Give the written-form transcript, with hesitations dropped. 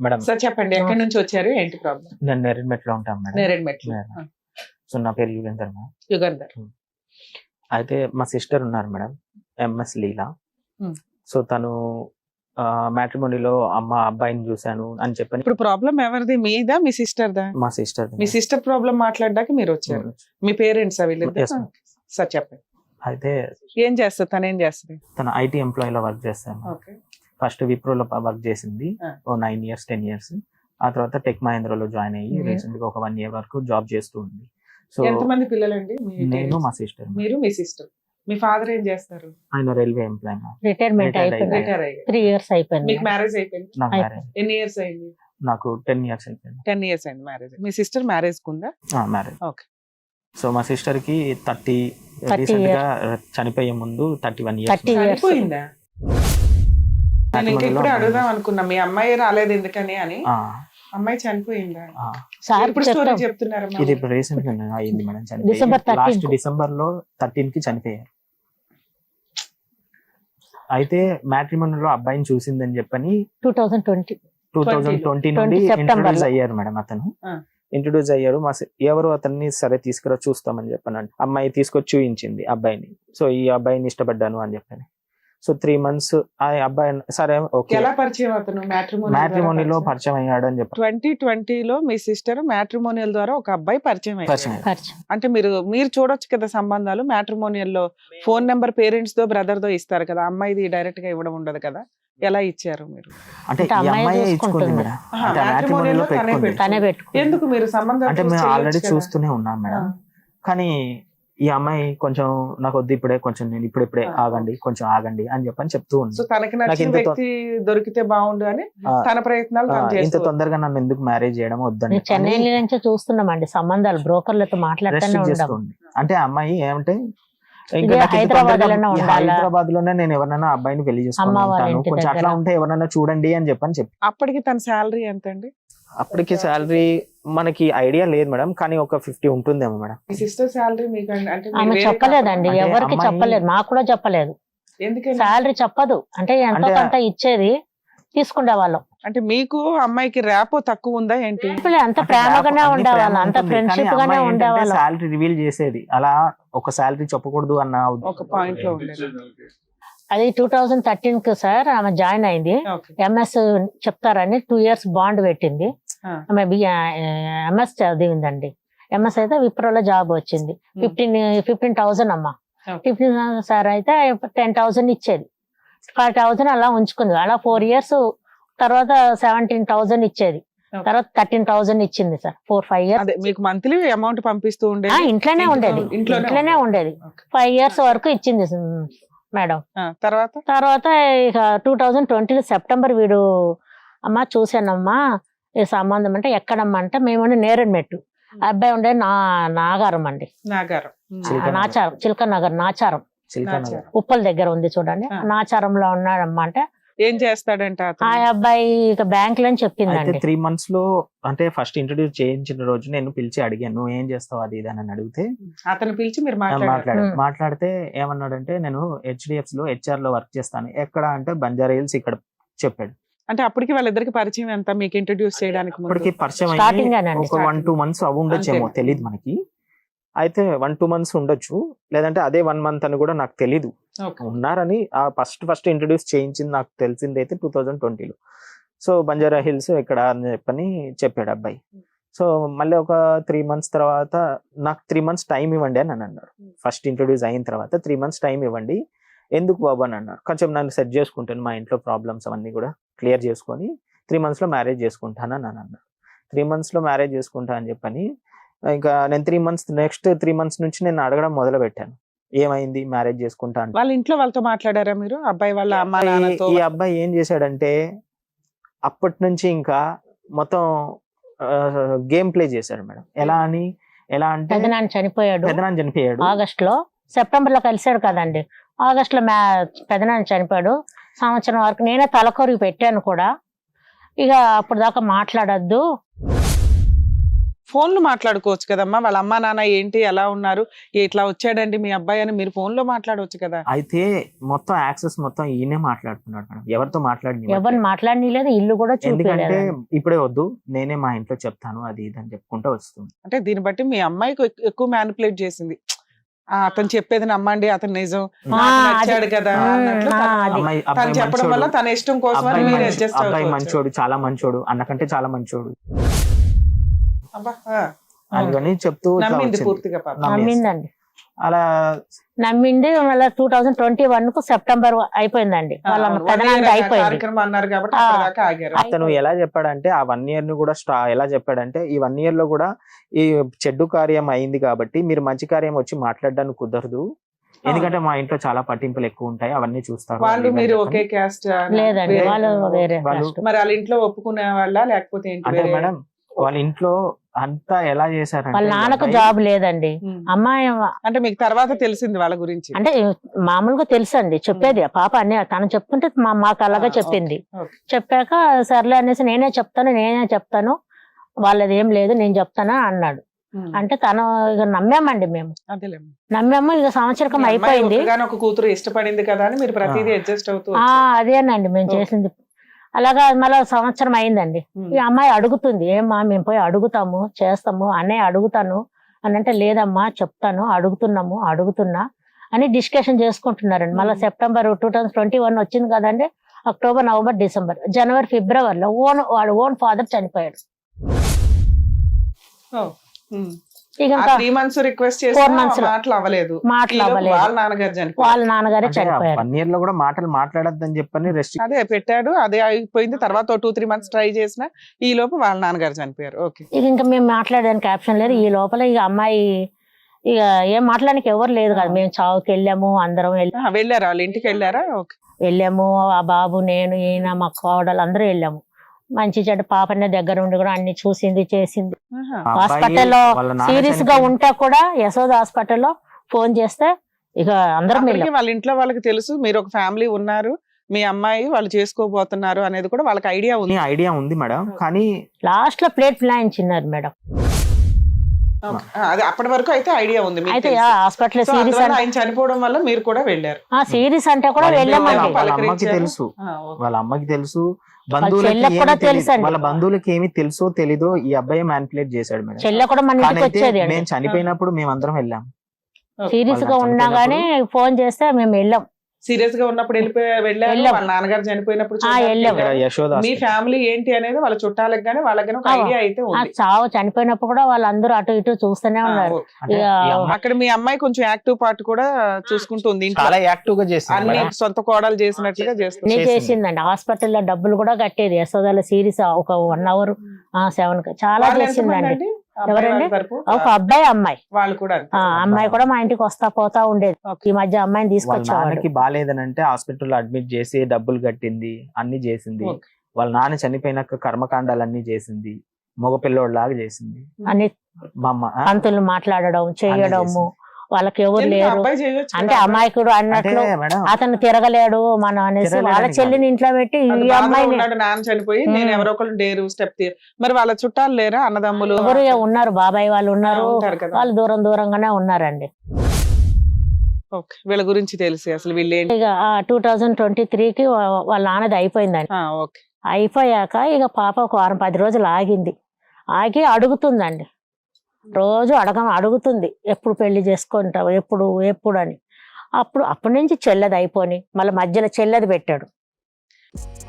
Madam sir చెప్పండి, ఎక్కడి నుంచి వచ్చారు, ఏంటి ప్రాబ్లం? నేను నేరేడ్మెట్లో ఉంటాను మేడం. నేరేడ్మెట్లు. సో నా పేరు యుగేందర్ మేడం. యుగంధర్. అయితే మా సిస్టర్ ఉన్నారు madam, MS Leela. Hmm. So తను మ్యాట్రిమోనీలో అబ్బాయిని చూశాను అని చెప్పని. ఇప్పుడు ప్రాబ్లం ఎవరిది, మీదా మీ సిస్టర్ దా? మా సిస్టర్. మీ సిస్టర్ ప్రాబ్లం మాట్లాడడానికి మీరు వచ్చారు. మీ పేరెంట్స్ వీళ్ళిద్దరు? Yes, ma'am. సార్ చెప్పండి, అయితే ఏం చేస్తారు, తను ఏం చేస్తుంది? తన ఐటీ ఎంప్లాయీలో వర్క్ చేస్తాను. ఓకే. ఫస్ట్ విప్రోలో వర్క్ చేసింది ఓ 9 years 10 years. ఆ తర్వాత టెక్ మహేంద్రలో జాయిన్ అయ్యి రీసెంట్ గా ఒక 1 year వరకు జాబ్ చేస్తూ ఉంది. సో ఎంతమంది పిల్లలండి? నేను, మా సిస్టర్. మీరు, మీ సిస్టర్. మీ ఫాదర్ ఏం చేస్తారు? ఆయన రైల్వే ఎంప్లాయ్. రిటైర్మెంట్ అయిపోయింది, రిటైర్ అయ్యారు. 3 years అయిపోయింది. మీకు మ్యారేజ్ అయిపోయింది? నాకు మ్యారేజ్ ఎన్ని ఇయర్స్ అయింది? నాకు 10 years అయిపోయింది. 10 years అయింది మ్యారేజ్. మీ సిస్టర్ మ్యారేజ్ కుందా? మ్యారేజ్. ఓకే. సో మా సిస్టర్ కి 30 రీసెంట్ గా చనిపోయే ముందు 31 years. 30 years. చనిపోయిందా? నేను ఇంకా ఇప్పుడే అడుగుదాం అనుకున్నా, మీ అమ్మాయి రాలేదు ఎందుకని అని. అమ్మాయి చనిపోయిందా? సార్ ఇప్పుడు స్టోరీ చెప్తున్నారా? ఇది ఇప్పుడు రీసెంట్ గా అయింది madam. December 13th. Last December లో 13 కి చనిపోయారు. అయితే మ్యాట్రిమోనీలో అబ్బాయిని చూసిందని చెప్పని 2020 నుండి ఇంట్రొడ్యూస్ అయ్యారు మేడం. అతను ఇంట్రొడ్యూస్ అయ్యారు. ఎవరు అతన్ని సరే తీసుకురా చూస్తామని చెప్పాను. అమ్మాయి తీసుకొచ్చి చూయించింది అబ్బాయిని. సో ఈ అబ్బాయిని ఇష్టపడ్డాను అని చెప్పని. సో 3 months ఆ అబ్బాయి సరే ఓకే. ఎలా పరిచయం అతను? మ్యాట్రిమోనీలో పరిచయం అయ్యాడు అని చెప్పి 2020లో మీ సిస్టర్ మ్యాట్రిమోనియల్ ద్వారా ఒక అబ్బాయి పరిచయం అయ్యాడు. అంటే మీరు చూడొచ్చు కదా సంబంధాలు. మ్యాట్రిమోనియల్ లో ఫోన్ నెంబర్ పేరెంట్స్ తో బ్రదర్ తో ఇస్తారు కదా, అమ్మాయిది డైరెక్ట్ గా ఇవ్వడం ఉండదు కదా. ఎలా ఇచ్చారు మీరు? అంటే ఈ అమ్మాయి ఇచ్చుకుంది మేడం. అంటే మ్యాట్రిమోనీలో పెట్టుకుంది. ఎందుకు మీరు సంబంధం? అంటే మేము ఆల్రెడీ చూస్తూనే ఉన్నాం మేడం. కానీ ఈ అమ్మాయి కొంచెం నాకు వద్దు ఇప్పుడే, కొంచెం నేను ఇప్పుడే ఆగండి, కొంచెం ఆగండి అని చెప్పని చెప్తూ ఉంది. సో తనకి నచ్చిన వ్యక్తి దొరికితే బాగుండు అని తన ప్రయత్నాలు. ఇంత తొందరగా నన్ను ఎందుకు మ్యారేజ్ చేయడం వద్దండి. చెన్నై నుంచి చూస్తున్నామండి సంబంధాలు, బ్రోకర్లతో మాట్లాడుతూనే. అంటే అమ్మాయి ఏమంటే హైదరాబాద్ లోనే నేను ఎవరైనా అబ్బాయిని పెళ్లి చేసుకుంటాను, కొంచెం అట్లా ఉంటే ఎవరైనా చూడండి అని చెప్పి. అప్పటికి తన శాలరీ ఎంత అండి? అప్పటికి శాలరీ మనకి ఐడియా లేదు మేడం, కానీ ఒక 50 ఉంటుందేమో మేడం. మీ సిస్టర్ శాలరీ మీకు అంటే ఆమె చెప్పలేదండి, ఎవరికి చెప్పలేదు, మాకు కూడా చెప్పలేదు. ఎందుకంటే శాలరీ చెప్పదు. అంటే ఎంతో కొంత ఇచ్చేది తీసుకునే వాళ్ళం. అంటే మీకు అమ్మాయికి ర్యాపో తక్కువ ఉందా ఏంటి? అంత ప్రేమగానే ఉండేవాళ్ళం, అంత ఫ్రెండ్షిప్ గానే ఉండేవాళ్ళం. శాలరీ రివీల్ చేసేది అలా ఒక శాలరీ చెప్పకూడదు అన్న ఒక పాయింట్ లో ఉండేది. అది 2013 సార్ ఆమె జాయిన్ అయింది. ఎంఎస్ చెప్తారని 2 years బాండ్ పెట్టింది. ఆమె ఎంఎస్ చదివిందండి. ఎంఎస్ అయితే విప్రోలో జాబ్ వచ్చింది. 15,000 అమ్మా. 15,000 సార్ అయితే 10,000 ఇచ్చేది. 5,000 అలా ఉంచుకుంది. అలా 4 years తర్వాత 17,000 ఇచ్చేది. తర్వాత 13,000 ఇచ్చింది సార్ 4-5 years. మీకు మంత్లీ అమౌంట్ పంపిస్తూ ఉండేది? ఇంట్లోనే ఉండేది. 5 years వరకు ఇచ్చింది మేడం. తర్వాత ఇక 2020 సెప్టెంబర్ వీడు అమ్మ చూసానమ్మా ఈ సంబంధం అంటే ఎక్కడమ్మా అంటే మేము నేరేడ్మెట్టు, అబ్బాయి ఉండే నాగారం అండి, నాచారం, చిలక నగర్ నాచారం, ఉప్పల దగ్గర ఉంది చూడండి, నాచారంలో ఉన్నాడమ్మా. అంటే ఏం చేస్తాడంటే ఆ అబ్బాయి ఇక బ్యాంక్ లో చెప్పిందండి. 3 months లో అంటే ఫస్ట్ ఇంట్రొడ్యూస్ చేయించిన రోజు నేను పిలిచి అడిగాను, నువ్వు ఏం చేస్తావు అది ఇది అని అడిగితే అతను పిలిచి మీరు మాట్లాడితే ఏమన్నాడంటే నేను HDFC లో HR లో వర్క్ చేస్తాను. ఎక్కడ అంటే బంజారా హిల్స్ ఇక్కడ చెప్పాడు. అంటే అప్పటికి వాళ్ళిద్దరికి పరిచయం ఎంత మీకు ఇంట్రొడ్యూస్ చేయడానికి? అప్పటికి పరిచయం ఒక 1-2 months అవి ఉండొచ్చేమో, తెలియదు మనకి. అయితే 1-2 months ఉండొచ్చు, లేదంటే అదే 1 month అని కూడా నాకు తెలీదు. ఉన్నారని ఆ ఫస్ట్ ఇంట్రొడ్యూస్ చేయించింది నాకు తెలిసింది అయితే 2020లో. సో బంజారా హిల్స్ ఇక్కడ అని చెప్పని చెప్పాడు అబ్బాయి. సో మళ్ళీ ఒక 3 months తర్వాత నాకు 3 months టైం ఇవ్వండి అని అన్నారు. ఫస్ట్ ఇంట్రొడ్యూస్ అయిన తర్వాత 3 months టైం ఇవ్వండి. ఎందుకు బాబు అని అన్నారు. కొంచెం నన్ను సెట్ చేసుకుంటాను, మా ఇంట్లో ప్రాబ్లమ్స్ అవన్నీ కూడా క్లియర్ చేసుకొని 3 months లో మ్యారేజ్ చేసుకుంటాను అని అన్నారు. 3 months లో మ్యారేజ్ చేసుకుంటా అని చెప్పని ఇంకా నేను 3 months నెక్స్ట్ 3 months నుంచి నేను అడగడం మొదలు పెట్టాను, ఏమైంది మ్యారేజ్ చేసుకుంటా అంటే. వాళ్ళ ఇంట్లో వాళ్ళతో మాట్లాడారా మీరు? అబ్బాయి వాళ్ళ అమ్మ నాన్నతో? ఈ అబ్బాయి ఏం చేశాడంటే అప్పటి నుంచి ఇంకా మొత్తం గేమ్ ప్లే చేశాడు మేడం. ఎలా అంటే పెదనాన్న చనిపోయాడు ఆగస్ట్ లో, సెప్టెంబర్ లో కలిసాడు కదండి. ఆగస్ట్ లో పెదనాన్న చనిపోయాడు. సంవత్సరం వరకు నేనే తలకొరికి పెట్టాను కూడా. ఇక అప్పుడు దాకా మాట్లాడద్దు, ఫోన్లు మాట్లాడుకోవచ్చు కదమ్మా, వాళ్ళ అమ్మా నాన్న ఏంటి ఎలా ఉన్నారు, ఇట్లా వచ్చాడండి మీ అబ్బాయి అని మీరు ఫోన్ లో మాట్లాడవచ్చు కదా. అయితే మొత్తం యాక్సెస్ మొత్తం ఈయనే మాట్లాడుతున్నాడు మేడం, ఎవరితో ఎవరు మాట్లాడలేదు, ఇల్లు కూడా ఎందుకంటే చూపించలేదు. ఇప్పుడే వద్దు నేనే మా ఇంట్లో చెప్తాను అది ఇది అని చెప్పుకుంటూ వస్తుంది. అంటే దీన్ని బట్టి మీ అమ్మాయికి ఎక్కువ మ్యానిపులేట్ చేసింది. అతను చెప్పేది నమ్మండి, అతను నిజం, నాకు నచ్చాడు కదా అన్నట్లు తను చెప్పడం వల్ల తన ఇష్టం కోసం మీరు అడ్జస్ట్ అబ్బాయి అవ్వచ్చు. మంచోడు, చాలా మంచోడు, అన్నకంటే చాలా మంచోడు అబ్బా, అని చెప్తూ ఇట్లా నమ్మింది వచ్చింది. పూర్తిగా పాపం. నమ్మిందండి, అలా నమ్మింది. మళ్ళీ 2021 కు సెప్టెంబర్ అయిపోయిందండి, వాళ్ళ అవును, పెదనాన్న 1 year అయిపోయింది. కార్యక్రమం అన్నారు కాబట్టి అప్పటిదాకా ఆగారు. అతను ఎలా చెప్పాడంటే ఆ 1 year ని కూడా ఎలా చెప్పాడంటే ఈ 1 year లో కూడా ఈ చెడ్డు కార్యం అయింది కాబట్టి మీరు మంచి కార్యం వచ్చి మాట్లాడడానికి కుదరదు, ఎందుకంటే మా ఇంట్లో చాలా పట్టింపులు ఎక్కువ ఉంటాయి, అవన్నీ చూస్తారు. వాళ్ళు మీరు ఒకే క్యాస్ట్? లేదండి, వాళ్ళు వేరే వాళ్ళు- caste. మరి వాళ్ళ ఇంట్లో ఒప్పుకునే వాళ్ళ లేకపోతే ఏంటి? అంటే వేరే- మేడం వాళ్ళ ఇంట్లో అంతా ఎలా వాళ్ళ చేశారంటే నాన్నకు ఈ జాబ్ లేదండి, ఉమ్. అమ్మాయి అంటే మీకు తర్వాత తెలిసింది వాళ్ళ గురించి? అంటే మామూలుగా తెలుసు అండి, చెప్పేది ఆ పాప అన్ని తను చెప్తుంటే మాకు అలాగే చెప్పింది. ఓకే. చెప్పాక సర్లే అనేసి నేనే చెప్తాను వాళ్ళది ఏం లేదు నేను చెప్తాను అన్నాడు. ఉమ్. అంటే తను ఇక నమ్మామండి, మేము అదేలేమ్మా. నమ్మాము. ఇక సంవత్సరం అయిపోయింది. ఒక కూతురు ఇష్టపడింది కదా అని మీరు ప్రతిదీ అడ్జస్ట్ అవుతూ ఆ వచ్చారు. అదేనండి మేము ఓకే. చేసింది. అలాగా మళ్ళీ సంవత్సరం అయిందండి. ఉమ్. ఈ అమ్మాయి అడుగుతుంది, ఏమ్మా మేము పోయి అడుగుతాము చేస్తాము అన్నయ్య అడుగుతాను అని అంటే, లేదమ్మా చెప్తాను అడుగుతున్నా అని డిస్కషన్ చేసుకుంటున్నారండి. మళ్ళీ సెప్టెంబర్ 2021 వచ్చింది కదండి, అక్టోబర్, నవంబర్, డిసెంబర్, జనవరి, ఫిబ్రవరిలో వాడు ఓన్ ఫాదర్ చనిపోయాడు. ఓ. ఉమ్. ఇక ఆ ఇంకా 3 months రిక్వెస్ట్ 4 చేసి months లో. మాటలు అవ్వలేదు. మాటలు ఈలోపు అవ్వలేదు. వాళ్ళ నాన్నగారు చనిపోయారు. వాళ్ళ నాన్నగారే చనిపోయారు. 1 year లో కూడా మాటలు మాట్లాడద్దని చెప్పని రెస్ట్రిక్ట్ అదే పెట్టాడు, అదే అయిపోయింది. తర్వాత 2-3 months ట్రై చేసిన ఈ లోపు వాళ్ళ నాన్నగారు చనిపోయారు. ఓకే. ఇక ఇంకా మేము మాట్లాడడానికి ఆప్షన్ లేదు. ఈ లోపల ఇక అమ్మాయి ఇక ఏం మాట్లాడడానికి ఎవరు లేదు కదా, మేము చావుకి వెళ్ళాము, అందరం వెళ్ళారా వాళ్ళ ఇంటికి వెళ్ళారా? ఓకే. వెళ్ళాము. ఆ బాబు, నేను, ఈయన, మా కోడలు అందరూ వెళ్ళాము. మంచి చెడ్డ పాపనే దగ్గర ఉండి కూడా అన్ని చూసింది చేసింది. ఆహా. హాస్పిటల్లో సీరియస్ గా ఉంటే కూడా యశోద హాస్పిటల్లో ఫోన్ చేస్తే ఇక అందరం అప్పటికి వెళ్ళాం. వాళ్ళ ఇంట్లో వాళ్ళకి తెలుసు మీరు ఒక ఫ్యామిలీ ఉన్నారు, మీ అమ్మాయి వాళ్ళు చేసుకోబోతున్నారు అనేది కూడా వాళ్ళకి ఐడియా ఉంది. ఐడియా ఉంది మేడం, కానీ లాస్ట్ లో ప్లేట్ ప్లాయించినారు మేడం. అది అప్పటి వరకు అయితే ఐడియా ఉంది మీకు అయితే తెలుసు. హాస్పిటల్ సో సీరియస్ అందువల్ల అంటే ఆయన చనిపోవడం వల్ల మీరు కూడా వెళ్ళారు. సీరియస్ అంటే కూడా వెళ్ళామండి. వాళ్ళ అమ్మకి పలకరించారు. తెలుసు, ఓకే. వాళ్ళ అమ్మకి తెలుసు, చెల్లెకి కూడా తెలుసండి. వాళ్ళ బంధువులకి ఏమి తెలుసో తెలీదో ఈ అబ్బాయి మ్యానిపులేట్ చేశాడు మేడం. చెల్లె కూడా మన కానీ ఇంటికి అయితే వచ్చేది అండి. మేము చనిపోయినప్పుడు మేమందరం వెళ్ళాం. సీరియస్ గా వాళ్ళ ఉన్నా గానీ ఫోన్ చేస్తే మేము వెళ్ళాం. సీరియస్ గా ఉన్నప్పుడు వెళ్ళారు, వెళ్ళాం. వాళ్ళ నాన్నగారు చనిపోయినప్పుడు వెళ్ళాం. ఇక్కడ యశోద మీ ఫ్యామిలీ ఏంటి అనేది వాళ్ళ చుట్టాలకు గానీ వాళ్ళకి గానీ ఒక ఐడియా అయితే ఆ ఉంది. చావు చనిపోయినప్పుడు కూడా వాళ్ళందరూ అటు ఇటు చూస్తూనే ఉన్నారు. ఓకే. అంటే ఇక ఈ అమ్మాయి అక్కడ మీ అమ్మాయి కొంచెం యాక్టివ్ పార్ట్ కూడా చూసుకుంటుంది ఇంట్లో. చాలా యాక్టివ్ గా చేసింది అన్ని మేడం. సొంత కోడలు చేసినట్లుగా చేస్తుంది. అన్ని చేసింది. చేసిందండి. హాస్పిటల్లో డబ్బులు కూడా కట్టేది. యశోదాల సీరియస్ ఒక 1 hour 7 చాలా వాళ్ళు చేసిందండి. ఎంతమంది అండి? అబ్బాయి ఎవరండి? వాళ్ళ తరపు? ఒక అబ్బాయి, అమ్మాయి. వాళ్ళు కూడా అంతే. అమ్మాయి కూడా మా ఇంటికి వస్తా పోతా ఉండేది. ఈ మధ్య అమ్మాయిని వాళ్ళ తీసుకొచ్చేవాడు. నాన్నకి బాగాలేదని అంటే హాస్పిటల్లో అడ్మిట్ చేసి డబ్బులు కట్టింది, అన్ని చేసింది. ఓకే. వాళ్ళ నాన్న చనిపోయినాక కర్మకాండాలన్నీ చేసింది, మగ పిల్లోడిలాగా చేసింది. అన్ని మా అమ్మ పంతులు మాట్లాడడం చేయడము, వాళ్ళకి ఎవరు ఎందుకు లేరు అబ్బాయి చేయొచ్చు అంటే కదా? అమాయకుడు అంటే అన్నట్లు మేడం అతను తిరగలేడు మనం అనేసి తిరగలేడని వాళ్ళ చెల్లిని ఇంట్లో పెట్టి అంత ఈ బాధలో అమ్మాయిని ఉన్నాడు, నాన్న చనిపోయి నేను ఎవరో ఒకళ్ళు డేరు స్టెప్ మరి వాళ్ళ చుట్టాలు లేరా? అన్నదమ్ములు ఎవరు ఉన్నారు, బాబాయ్ వాళ్ళు ఉన్నారు, ఉంటారు కదా. వాళ్ళు దూరంగానే ఉన్నారండి. ఓకే. వీళ్ళ గురించి తెలిసి అసలు వీళ్ళు ఏంటి? ఇక 2023కి వాళ్ళ నాన్నది అయిపోయిందండి. ఓకే. అయిపోయాక ఇక పాప ఒక 10 రోజులు ఆగింది. ఆగి అడుగుతుందండి, రోజు అడుగుతుంది ఎప్పుడు పెళ్లి చేసుకుంటావు, ఎప్పుడు అని. అప్పటి నుంచి చెల్లెది అయిపోయి మళ్ళీ మధ్యలో చెల్లెది పెట్టాడు.